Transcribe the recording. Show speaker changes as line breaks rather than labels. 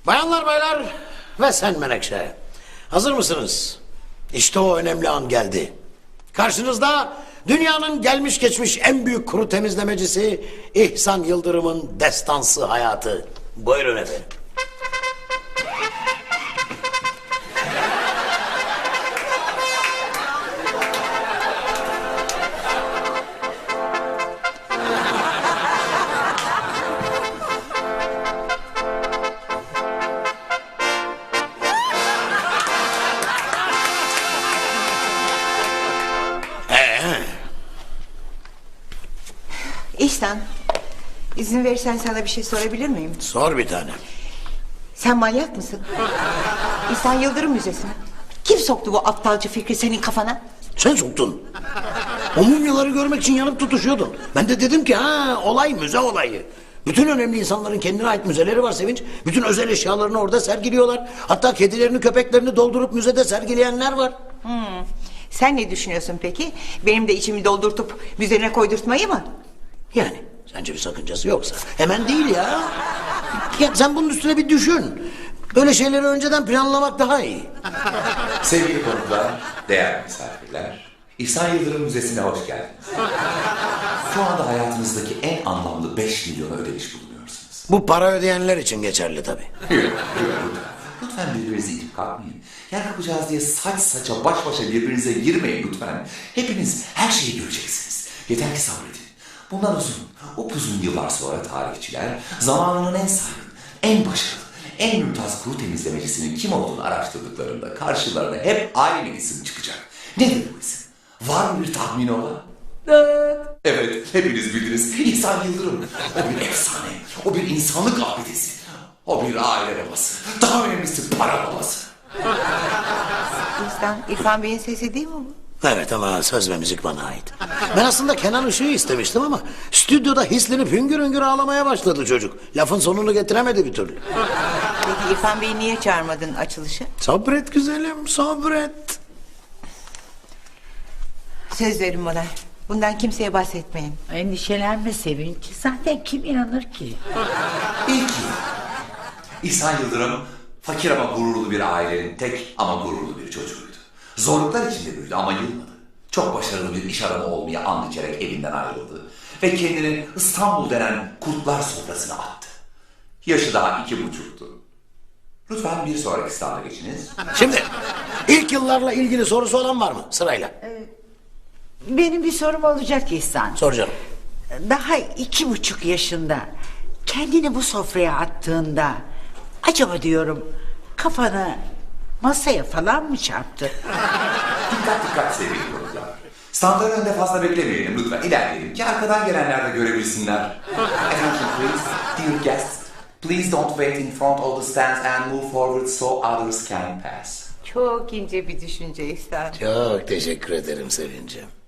Bayanlar baylar ve sen Menekşe. Hazır mısınız? İşte o önemli an geldi. Karşınızda dünyanın gelmiş geçmiş en büyük kuru temizlemecisi İhsan Yıldırım'ın destansı hayatı. Buyurun efendim.
İhsan, izin verirsen sana bir şey sorabilir miyim?
Sor bir tane.
Sen manyak mısın? İhsan Yıldırım Müzesi mi? Kim soktu bu aptalca fikri senin kafana?
Sen soktun. O mumyaları görmek için yanıp tutuşuyordun. Ben de dedim ki olay müze olayı. Bütün önemli insanların kendine ait müzeleri var Sevinç. Bütün özel eşyalarını orada sergiliyorlar. Hatta kedilerini köpeklerini doldurup müzede sergileyenler var.
Sen ne düşünüyorsun peki? Benim de içimi doldurtup müzene koydurtmayı mı?
Yani sence bir sakıncası yoksa. Hemen değil ya. Ya sen bunun üstüne bir düşün. Böyle şeyleri önceden planlamak daha iyi.
Sevgili konuklar, değerli misafirler, İhsan Yıldırım Müzesi'ne hoş geldiniz. Şu anda hayatınızdaki en anlamlı 5 milyonu ödemiş bulunuyorsunuz.
Bu para ödeyenler için geçerli tabii.
Lütfen birbirinizi itip kalkmayın. Yer kapacağız diye saç saça baş başa birbirinize girmeyin lütfen. Hepiniz her şeyi göreceksiniz. Yeter ki sabredin. Bundan upuzun yıllar sonra tarihçiler zamanının en saygın, en başarılı, en mümtaz kuru temizlemecisinin kim olduğunu araştırdıklarında karşılarına hep aynı isim çıkacak. Nedir bu isim? Var mı bir tahmini olan? Evet, hepiniz bildiniz. İhsan Yıldırım. O bir efsane, o bir insanlık abidesi. O bir aile babası. Daha önemlisi para babası.
İrfan Bey'in sesi değil mi bu?
Evet ama söz ve müzik bana ait. Ben aslında Kenan Işık'ı istemiştim ama stüdyoda hislenip hüngür hüngür ağlamaya başladı çocuk. Lafın sonunu getiremedi bir türlü.
Peki İrfan Bey'i niye çağırmadın açılışı?
Sabret güzelim, sabret.
Söz verin bana. Bundan kimseye bahsetmeyin.
Endişelenme Sevinç. Zaten kim inanır ki?
İlk yıl. İhsan Yıldırım fakir ama gururlu bir ailenin tek ama gururlu bir çocuğuydu. Zorluklar içinde büyüdü ama yılmadı. Çok başarılı bir iş adamı olmaya and içerek evinden ayrıldı. Ve kendini İstanbul denen kurtlar sofrasına attı. Yaşı daha 2,5'tu. Lütfen bir sonraki standa geçiniz.
Şimdi ilk yıllarla ilgili sorusu olan var mı sırayla?
Benim bir sorum olacak İhsan.
Sor canım.
Daha 2,5 yaşında kendini bu sofraya attığında acaba diyorum kafanı masaya falan mı çarptı?
Dikkat sevgili konuklar. Standların önünde fazla beklemeyelim lütfen. İlerleyelim ki arkadan gelenler de görebilsinler. Attention please, dear guests. Please don't wait in front of the stands and move forward so others can pass.
Çok ince bir düşünce İhsan.
Çok teşekkür ederim Sevincim.